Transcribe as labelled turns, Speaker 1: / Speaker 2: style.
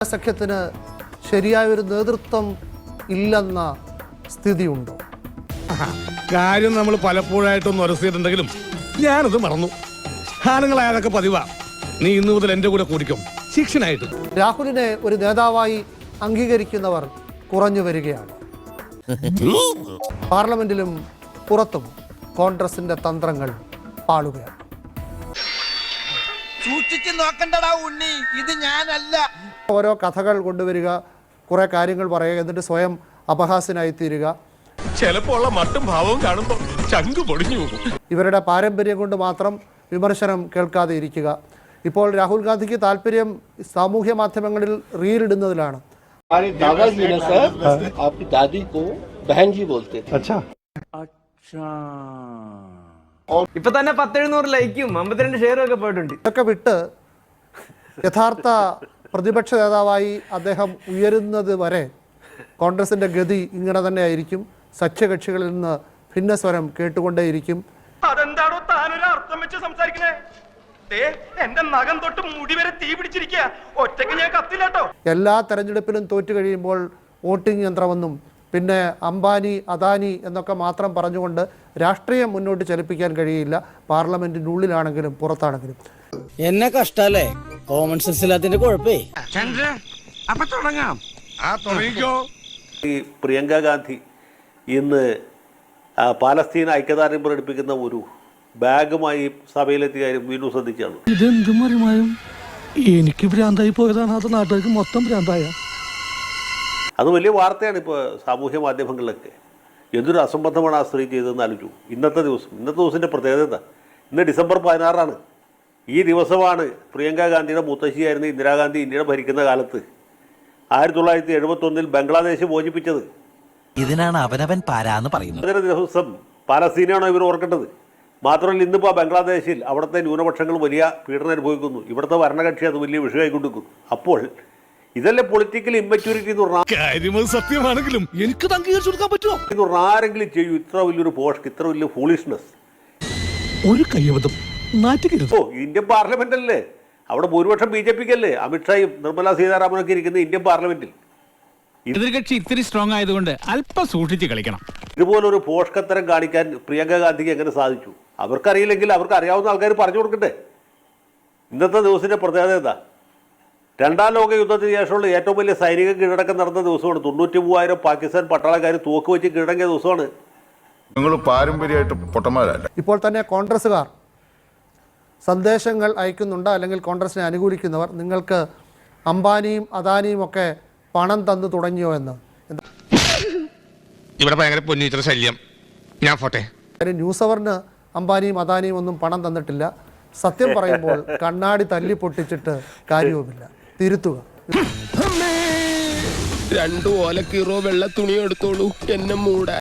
Speaker 1: സഖ്യത്തിന് ശരിയായൊരു നേതൃത്വം ഇല്ലെന്ന സ്ഥിതിയുണ്ടോ?
Speaker 2: കാര്യം നമ്മൾ പലപ്പോഴായിട്ടൊന്ന് ഉരസിയിട്ടുണ്ടെങ്കിലും ഞാനത് മറന്നു. ആണുങ്ങളായതൊക്കെ പതിവാ. നീ ഇന്നു മുതൽ എൻ്റെ കൂടെ കൂടിക്കും ശിക്ഷനായിട്ട്.
Speaker 1: രാഹുലിനെ ഒരു നേതാവായി അംഗീകരിക്കുന്നവർ കുറഞ്ഞു വരികയാണ്. പാർലമെന്റിലും പുറത്തും കോൺഗ്രസിന്റെ തന്ത്രങ്ങൾ പാളുകയാണ്.
Speaker 3: സൂക്ഷിച്ചു നോക്കണ്ടടാ ഉണ്ണി, ഇത് ഞാനല്ല.
Speaker 1: ഓരോ കഥകൾ കൊണ്ടുവരിക, കുറെ കാര്യങ്ങൾ പറയുക, എന്നിട്ട് സ്വയം അപഹാസ്യനായി തീരുക.
Speaker 4: ചിലപ്പോൾ മട്ടും ഭാവവും കാണുമ്പോൾ ചങ്കു പൊടിഞ്ഞു പോകും.
Speaker 1: ഇവരുടെ പാരമ്പര്യം കൊണ്ട് മാത്രം വിമർശനം കേൾക്കാതെ ഇരിക്കുക. ഇപ്പോൾ രാഹുൽ ഗാന്ധിക്ക് താല്പര്യം സാമൂഹ്യ മാധ്യമങ്ങളിൽ റീൽ ഇടുന്നതിലാണ്.
Speaker 5: ഇപ്പൊ തന്നെ 10-700 ലൈക്കും 52 ഷെയറും ഒക്കെ പോയിട്ടുണ്ട്.
Speaker 1: ഇതൊക്കെ വിട്ട് യഥാർത്ഥ പ്രതിപക്ഷ നേതാവായി അദ്ദേഹം ഉയരുന്നത് വരെ കോൺഗ്രസിന്റെ ഗതി ഇങ്ങനെ തന്നെ ആയിരിക്കും. സഖ്യകക്ഷികളിൽ നിന്ന് ഭിന്നസ്വരം കേട്ടുകൊണ്ടേയിരിക്കും.
Speaker 4: അതെന്താണോ താനൊരു അർത്ഥം വെച്ച് സംസാരിക്കണേ? എന്റെ നഖം തൊട്ട് മുടി വരെ തീ പിടിച്ചിരിക്കുക. ഒറ്റയ്ക്ക് ഞാൻ കത്തില്ലാട്ടോ.
Speaker 1: എല്ലാ തെരഞ്ഞെടുപ്പിലും തോറ്റു കഴിയുമ്പോൾ വോട്ടിംഗ് യന്ത്രമെന്നും പിന്നെ അംബാനി അദാനി എന്നൊക്കെ മാത്രം പറഞ്ഞുകൊണ്ട് രാഷ്ട്രീയം മുന്നോട്ട് ചലിപ്പിക്കാൻ കഴിയില്ല. പാർലമെന്റിന്റെ ഉള്ളിലാണെങ്കിലും പുറത്താണെങ്കിലും.
Speaker 6: എന്നെ കഷ്ടല്ലേ കോമൺ സെൻസ് ഇല്ലാത്തതിന്റെ കുഴപ്പേ.
Speaker 4: അപ്പൊ തുടങ്ങാം. തുടങ്ങിക്കോ.
Speaker 7: ഈ പ്രിയങ്ക ഗാന്ധി ഇന്ന് പാലസ്തീൻ ഐക്യദാർഢ്യം പ്രകടിപ്പിക്കുന്ന ഒരു ബാഗുമായി സഭയിലെത്തിയ കാര്യം വീണ്ടും ശ്രദ്ധിച്ചാണ്.
Speaker 2: ഇതെന്തും മറിമായും എനിക്ക് ഭ്രാന്തായി പോയതാണ്. അത് നാട്ടുകാർക്ക് മൊത്തം ഭ്രാന്തായ.
Speaker 7: അത് വലിയ വാർത്തയാണ് ഇപ്പോൾ സാമൂഹ്യ മാധ്യമങ്ങളിലൊക്കെ. എന്തൊരു അസംബന്ധമാണ് ആ സ്ത്രീ ചെയ്തതെന്ന് ആലോചിച്ചു. ഇന്നത്തെ ദിവസത്തിൻ്റെ പ്രത്യേകത ഇന്ന് ഡിസംബർ 16 ഈ ദിവസമാണ് പ്രിയങ്ക ഗാന്ധിയുടെ മുത്തശ്ശിയായിരുന്ന ഇന്ദിരാഗാന്ധി ഇന്ത്യയുടെ ഭരിക്കുന്ന കാലത്ത് 1971 ബംഗ്ലാദേശ് മോചിപ്പിച്ചത്.
Speaker 3: ഇതിനാണ് അവനവൻ പാരാന്ന് പറയുന്നത്.
Speaker 7: അതിന് ദിവസം പാലസ്തീനാണോ ഇവർ ഓർക്കേണ്ടത്? മാത്രമല്ല ഇന്നിപ്പോൾ ബംഗ്ലാദേശിൽ അവിടുത്തെ ന്യൂനപക്ഷങ്ങൾ വലിയ പീഡനം അനുഭവിക്കുന്നു. ഇവിടുത്തെ ഭരണകക്ഷി അത് വലിയ വിഷയമായി കൊണ്ടിരിക്കുന്നു. അപ്പോൾ ഇതല്ലേ പൊളിറ്റിക്കൽ ഇമ്മച്യൂരിറ്റി എന്ന് പറഞ്ഞാൽ?
Speaker 2: സത്യമാണെങ്കിലും എനിക്ക് അംഗീകരിച്ചു കൊടുക്കാൻ പറ്റുമോ?
Speaker 7: ഇത് ആരെങ്കിലും ചെയ്യൂ ഇത്ര വലിയൊരു പോഷ്, ഇത്ര വലിയ ഫൂളിഷ്നെസ്?
Speaker 2: ഒരു കയ്യബദ്ധം നാറ്റുകരുത്.
Speaker 7: ഇന്ത്യൻ പാർലമെന്റ് അല്ലേ, അവിടെ ഭൂരിപക്ഷം BJP-ക്ക് അല്ലേ. അമിത്ഷായും നിർമ്മല സീതാരാമനൊക്കെ ഇരിക്കുന്ന ഇന്ത്യൻ പാർലമെന്റിൽ.
Speaker 8: എതിർകക്ഷി ഇത്തിരി സ്ട്രോങ് ആയതുകൊണ്ട് അല്പം സൂക്ഷിച്ച് കളിക്കണം.
Speaker 7: ഇതുപോലൊരു പോഷ്കത്തരം കാണിക്കാൻ പ്രിയങ്ക ഗാന്ധിക്ക് എങ്ങനെ സാധിച്ചു? അവർക്കറിയില്ലെങ്കിൽ അവർക്ക് അറിയാവുന്ന ആൾക്കാർ പറഞ്ഞു കൊടുക്കട്ടെ. ഇന്നത്തെ ദിവസത്തിന്റെ പ്രത്യേകത എന്താ? 2ാം ലോക യുദ്ധത്തിന് ശേഷമുള്ള ഏറ്റവും വലിയ സൈനിക കീഴടക്കം നടന്ന ദിവസമാണ്. 93,000 പാകിസ്ഥാൻ പട്ടാളക്കാർ തോക്ക് വെച്ച് കീഴടങ്ങിയ ദിവസമാണ്.
Speaker 9: നിങ്ങൾ പാരമ്പര്യമായിട്ട് പൊട്ടന്മാരല്ല.
Speaker 1: ഇപ്പോൾ തന്നെ കോൺഗ്രസ്സുകാർ സന്ദേശങ്ങൾ അയക്കുന്നുണ്ട്. അല്ലെങ്കിൽ കോൺഗ്രസിനെ അനുകൂലിക്കുന്നവർ നിങ്ങൾക്ക് അംബാനിയും അദാനിയും ഒക്കെ പണം തന്നു തുടങ്ങിയോ എന്ന്.
Speaker 4: ഇവിടെ ഭയങ്കര പൊന്നീറ്റർ ശല്യം. ഞാൻ പോട്ടെ.
Speaker 1: ന്യൂസ് അവറിന് അംബാനിയും അദാനിയും ഒന്നും പണം തന്നിട്ടില്ല. സത്യം പറയുമ്പോൾ കണ്ണാടി തല്ലി പൊട്ടിച്ചിട്ട് കാര്യവുമില്ല. തിരുത്തുക.
Speaker 4: 2 ഓലക്കീറോ വെള്ള തുണി എടുത്തോളൂ എന്നെ മൂടാൻ.